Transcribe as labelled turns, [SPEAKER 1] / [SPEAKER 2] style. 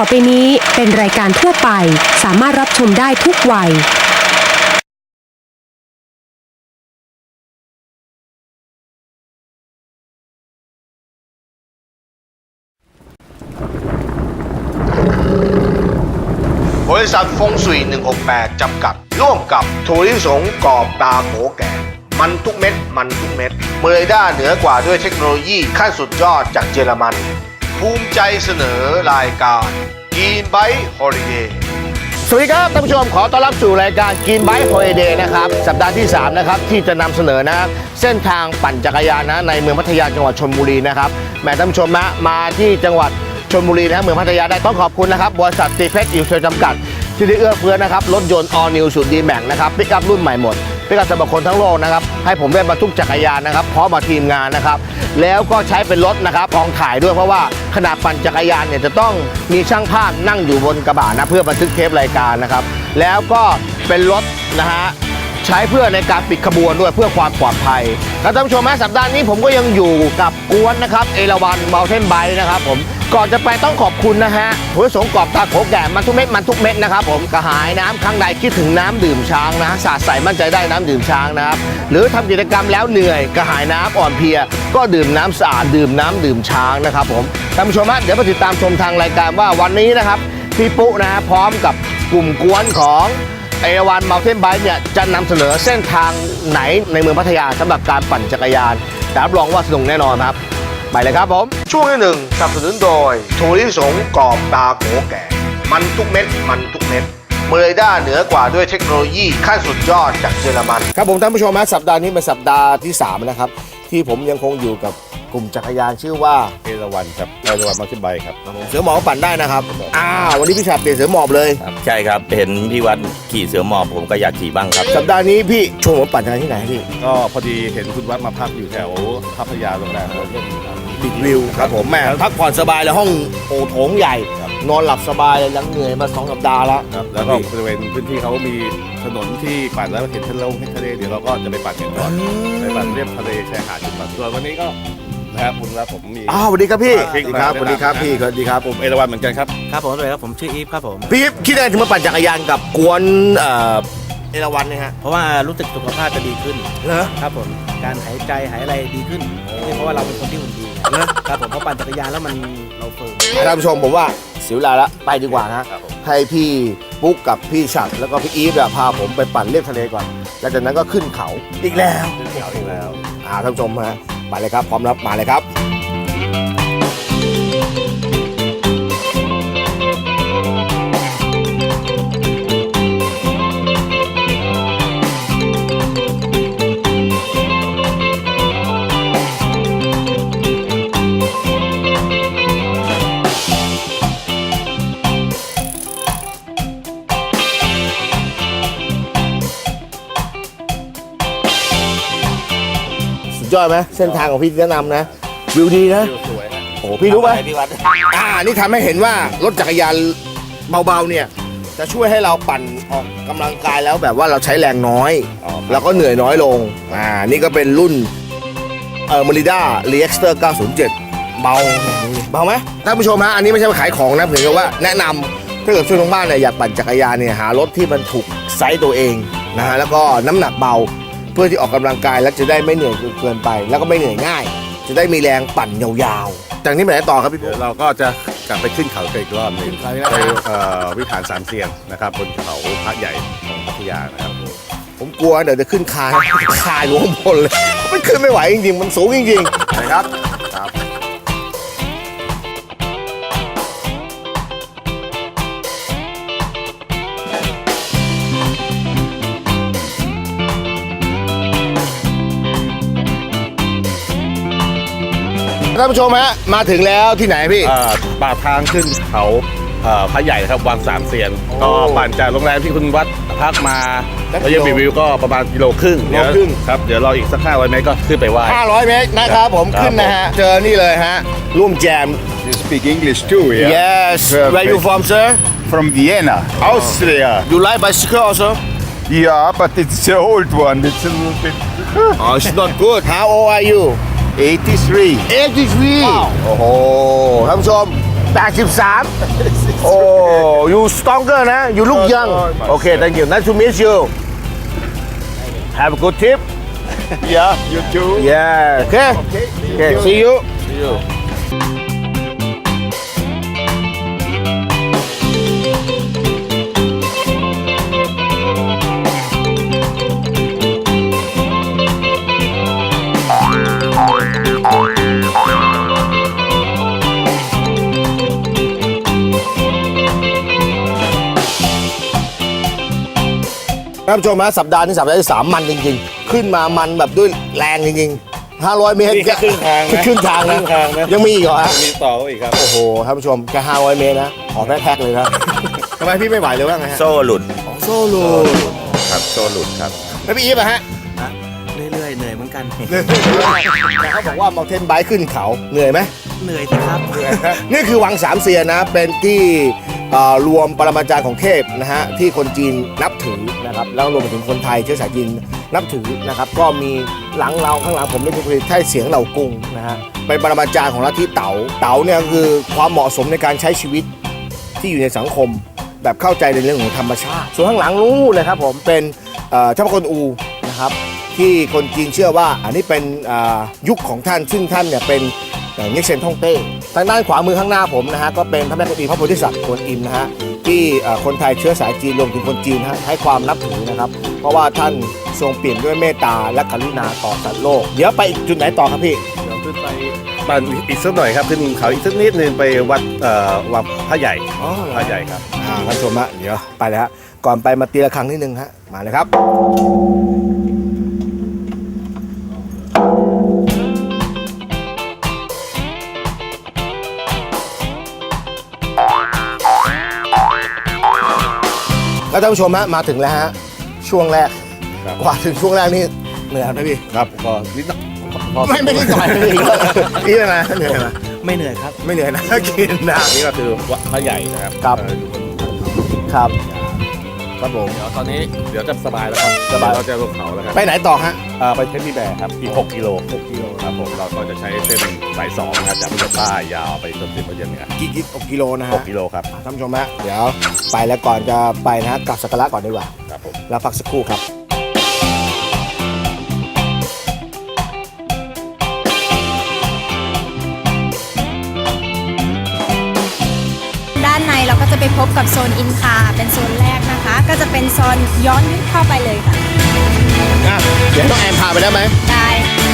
[SPEAKER 1] ไปนี้เป็นรายการทั่วไปสามารถรับชมได้ทุกวัย
[SPEAKER 2] บริษัทฟงสุย168 จำกัดร่วมกับถั่วลิสงกรอบตาโขแก่มันทุกเม็ดมันทุกเม็ดเมอร์ด้าเหนือกว่าด้วยเทคโนโลยีขั้นสุดยอดจากเยอรมันภูมิใจเสนอรายการกินไบท์ฮอลิเดย์สวัสดีครับท่านผู้ชมขอต้อนรับสู่รายการกินไบท์ฮอลิเดย์นะครับสัปดาห์ที่3นะครับที่จะนำเสนอนะเส้นทางปั่นจักรยานนะในเมืองพัทยาจังหวัดชลบุรีนะครับแม่ท่านผู้ชมนะมาที่จังหวัดชลบุรีนะเมืองพัทยาได้ต้องขอบคุณนะครับบริษัทตีเพชรอิวเซอร์จำกัดที่ได้เอื้อเฟื้อนะครับรถยนต์ All New สูตรดีแม็กนะครับปิกอัพรุ่นใหม่หมดปิกอัพสำหรับคนทั้งโลกนะครับให้ผมได้บรรทุกจักรยานนะครับพร้อมมาทีมงานนะครับแล้วก็ใช้เป็นรถนะครับกองถ่ายด้วยเพราะว่าขนาดปั่นจักรยานเนี่ยจะต้องมีช่างภาพนั่งอยู่บนกระบะนะเพื่อบันทึกเทปรายการนะครับแล้วก็เป็นรถนะฮะใช้เพื่อในการปิดขบวนด้วยเพื่อความปลอดภัยแล้วท่านผู้ชมสัปดาห์นี้ผมก็ยังอยู่กับกวนนะครับเอราวัณมัลเทนไบค์นะครับผมก่อนจะไปต้องขอบคุณนะฮะถั่วลิสงกรอบตาโขแก่มันทุกเม็ดมันทุกเม็ดนะครับผมกระหายน้ำครั้งใดคิดถึงน้ำดื่มช้างนะสาดใสมั่นใจได้น้ำดื่มช้างนะครับหรือทำกิจกรรมแล้วเหนื่อยกระหายน้ำอ่อนเพลียก็ดื่มน้ำสะอาดดื่มน้ำดื่มช้างนะครับผมท่านผู้ชมเดี๋ยวมาติดตามชมทางรายการว่าวันนี้นะครับพี่ปุ๊นะฮะพร้อมกับกลุ่มกวนของเอราวัณมัลเทนไบค์เนี่ยจะนำเสนอเส้นทางไหนในเมืองพัทยาสำหรับการปั่นจักรยานแต่รับรองว่าสนุกแน่นอนครับไปเลยครับผมช่วงที่ 1สนับสนุนโดยถั่วลิสงกรอบตาโขแก่มันทุกเม็ดมันทุกเม็ดเมอร์ด้าเหนือกว่าด้วยเทคโนโลยีขั้นสุดยอดจากเยอรมันครับผมท่านผู้ชมสัปดาห์นี้เป็นสัปดาห์ที่3นะครับที่ผมยังคงอยู่กับกลุ่มจักรยานชื่อว่า
[SPEAKER 3] เอราวัณครับเอราวัณมัลติไบค์ครับ
[SPEAKER 2] เสือหมอบปั่นได้นะครับวันนี้พี่ชาเปลี่ยนเสือหมอบเลย
[SPEAKER 3] ใช่ครับเห็นพี่วัดขี่เสือหมอบผมก็อยากขี่บ้างครับ
[SPEAKER 2] สัปดาห์นี้พี่ชวนผมปั่นจักรยานที่ไหนพี่
[SPEAKER 3] ก็พอดีเห็นคุณวัดมาพักอยู่แถวพัทยาโรงแรม
[SPEAKER 2] บิ๊กวิวครับผมแม่พักผ่อนสบายเลยห้องโถงใหญ่นอนหลับสบายเลยหลังเหนื่อยมา2 สัปดาห์แล้ว
[SPEAKER 3] แล้วก็บริเวณพื้นที่เขามีถนนที่ปั่นแล้วเห็นทะเลเดี๋ยวเราก็จะไปปั่นกันก่อนไปปั่นเรียบทะเลชายหาดจุดปั่นส่วนวันนี้ก็นะครับคุณครับผมมี
[SPEAKER 2] สวัสดีครับพี่สวัสดีครับสวัสดีครับพี่สวัสดีครับ
[SPEAKER 3] ผมเอราวัณเหมือนกันครับ
[SPEAKER 4] ครับผมเลยครับผมชื่ออีฟครับผม
[SPEAKER 2] พี่คิดยังไงถึงมาปั่นจักรยานกับกวนเอราวัณเนี่ยฮะ
[SPEAKER 4] เพราะว่ารู้สึกสุขภาพจะดีขึ้นครับผมการหายใจหายอะไรดีขึ้นเพราะว่าเราเป็นคนที่หุ่นดีครับผมเพราะปั่นจักรยานแล้วมันเราเฟิร์ม
[SPEAKER 2] ท่านผู้ชมผมว่าเสียเวลาละไปดีกว่านะให้พี่ปุ๊กกับพี่ฉัดแล้วก็พี่อีฟพาผมไปปั่นเลียบทะเลก่อนแล้วจากนั้นก็ขึ้นเขาอีกแล้วท่านผู้ชมไปเลยครับพร้อมรับมาเลยครับยอดไหมเส้นทางของพี่แนะนำนะวิวดีนะ
[SPEAKER 3] สวยนะ
[SPEAKER 2] โอ้พี่รู้ไหมพี่วัดนี่ทำให้เห็นว่ารถจักรยานเบาๆเนี่ยจะช่วยให้เราปั่นออกกำลังกายแล้วแบบว่าเราใช้แรงน้อยแล้วก็เหนื่อยน้อยลงนี่ก็เป็นรุ่นMerida Reactor 907เบาไหมท่านผู้ชมอันนี้ไม่ใช่มาขายของนะเพียงแต่ว่าแนะนำถ้าเกิดช่วยทางบ้านเนี่ยอยากปั่นจักรยานเนี่ยหารถที่มันถูกไซส์ตัวเองนะฮะแล้วก็น้ำหนักเบาเพื่อที่ออกกำลังกายแล้วจะได้ไม่เหนื่อยเกินไปแล้วก็ไม่เหนื่อยง่ายจะได้มีแรงปั่นยาวๆจากนี้ไปไหนต่อครับพี่ปุ๊
[SPEAKER 3] เราก็จะกลับไปขึ้นเขาอีกรอบหนึ่งไปวิหารสามเซียนนะครับบนเขาพระใหญ่ของพัทยานะครับ
[SPEAKER 2] ผมกลัวเดี๋ยวจะขึ้นคายหลวงพลเลยมันขึ้นไม่ไหวจริงๆมันสูงจริงๆนะครับท่านผู้ชมมาถึงแล้วที่ไหนพี่
[SPEAKER 3] ปากทางขึ้นเขาพระใหญ่ครับวังสามเซียนก็ปั่นจากโรงแรมที่คุณวัดพักมาระยะวิวก็ประมาณ1.5 กิโลครับเดี๋ยวเราอีกสัก500 เมตรก็ขึ้นไปไหว้
[SPEAKER 2] 500 เมตรนะครับผมขึ้นนะฮะเจอนี่เลยร่วมแจม
[SPEAKER 5] You speak English too, yeah?
[SPEAKER 2] Yes. Where you from, sir?
[SPEAKER 5] From Vienna, Austria.
[SPEAKER 2] You like bicycle also?
[SPEAKER 5] Yeah, but it's an old one. It's a little bit.
[SPEAKER 2] It's not good. How old are you?
[SPEAKER 5] 83.
[SPEAKER 2] 83. Wow. โอ้โหท่านผู้ชม 83 โอ้ you stronger นะ you look young โอเค thank you nice to meet you have a good trip
[SPEAKER 5] Yeah, you too.
[SPEAKER 2] yeah okay okay see you
[SPEAKER 3] See you.
[SPEAKER 2] ท่านผู้ชมฮะสัปดาห์นี้สัปดาห์ที่ 3 มันจริงๆ ขึ้นมามันแบบด้วยแรงจริงๆ 500 เมตร
[SPEAKER 3] นี่แค่ครึ่งทางนะ
[SPEAKER 2] ครึ่งทาง
[SPEAKER 3] ครึ่
[SPEAKER 2] นะ
[SPEAKER 3] งทางนะ
[SPEAKER 2] ยังมีอีกเหรอฮะ
[SPEAKER 3] มีต่ออีกครับ
[SPEAKER 2] โอ้โหท่านผู้ชมแค่500 เมตรนะขอแพ็คๆเลยนะทำไมพี่ไม่ไหวเลยว่าไงฮะ
[SPEAKER 5] โซ่หลุด
[SPEAKER 2] ของโซโล่
[SPEAKER 5] ครับโซ่หลุดครับ
[SPEAKER 2] แล้วพี่อีฟอะฮะ
[SPEAKER 4] เรื่อยๆเหนื่อยเหมือนกัน
[SPEAKER 2] แต่เขาบอกว่าเมาเทนไบค์ขึ้นเขาเหนื่อยไหม
[SPEAKER 4] เหนื่อยสิครับ
[SPEAKER 2] นี่คือวังสามเสียนนะ เป็นที่รวมปรมาจารย์ของเทพนะฮะที่คนจีนนับถือนะครับแล้วรวมไปถึงคนไทยเชื้อสายจีนนับถือนะครับก็มีหลังเราข้างหลังผมนี่คือไทยเสียงเหล่ากรุงนะฮะเป็นปรมาจารย์ของลัทธิเต๋าเต๋าเนี่ยคือความเหมาะสมในการใช้ชีวิตที่อยู่ในสังคม แบบเข้าใจในเรื่องของธรรมชาติส่วนข้างหลังนู้นเลยครับผมเป็นเจ้าพระกวนอูนะครับที่คนจีนเชื่อว่าอันนี้เป็นยุคของท่านซึ่งท่านเนี่ยเป็นเง็กเซนท่องเต้ทางด้านขวามือข้างหน้าผมนะฮะก็เป็นพระแม่กวนอิมพระโพธิสัตว์กวนอิมนะฮะที่คนไทยเชื้อสายจีนรวมถึงคนจีนให้ความนับถือนะครับเพราะว่าท่านทรงเปลี่ยนด้วยเมตตาและกรุณาต่อสัตว์โลกเดี๋ยวไปอีกจุดไหนต่อครับพี่
[SPEAKER 3] เดี๋ยวขึ้นไปปั่นอีกสักหน่อยครับขึ้นเขาอีกสักนิดนึงไปวัดวัดพระใหญ่
[SPEAKER 2] อ๋อ
[SPEAKER 3] พระใหญ่ครับ
[SPEAKER 2] ท่านผู้ชมฮะเดี๋ยวไปเลยฮะก่อนไปมาตีละครั้งนิดนึงฮะมาเลยครับ แล้วท่านผู้ชมฮะมาถึงแล้วฮะช่วงแรก
[SPEAKER 3] ครับ
[SPEAKER 2] กว่าถึงช่วงแรกนี่เหนื่อยไหมพี่
[SPEAKER 3] ครับก็นิดหน่อยพอ
[SPEAKER 2] ไม่ได้ต่อยเลยพี่เป็นไงเหนื่อยไหม
[SPEAKER 4] ไม่เหนื่อยครับ
[SPEAKER 2] ไม่เหนื่อยนะ กินนะ
[SPEAKER 3] นี่ก็คือวัดพระใหญ่นะครับ
[SPEAKER 2] ครับ
[SPEAKER 3] อยู่บน
[SPEAKER 2] ครับครับผม
[SPEAKER 3] เดี๋ยวตอนนี้เดี๋ยวจะสบายแล้วครับ
[SPEAKER 2] สบาย
[SPEAKER 3] เราจะลงเขาแล้วครับ
[SPEAKER 2] ไปไหนต่อฮะ
[SPEAKER 3] ไปเทนนิแบร์ครับอีก6 กิโลครับผมเราก็จะใช้เส้นสาย2นะครับจากพุทธใต้ยาวไปจนถึงพระเย็นเหนือ
[SPEAKER 2] กี่กิโลนะฮะ
[SPEAKER 3] 6 กิโลครับ
[SPEAKER 2] ท่านผู้ชมฮะเดี๋ยวไปแล้วก่อนจะไปนะฮะกลับสักการะก่อนดีกว่า
[SPEAKER 3] ครับผม
[SPEAKER 2] แล้วพักสักครู่ครับ
[SPEAKER 6] ด้านในเราก็จะไปพบกับโซนอินคาเป็นโซนแรกนะคะ ก็จะเป็นโซนย้อนยุคเข้าไปเลยค่ะ
[SPEAKER 2] เดี๋ยวต้องแอมพาไปได้ไหม
[SPEAKER 6] ได้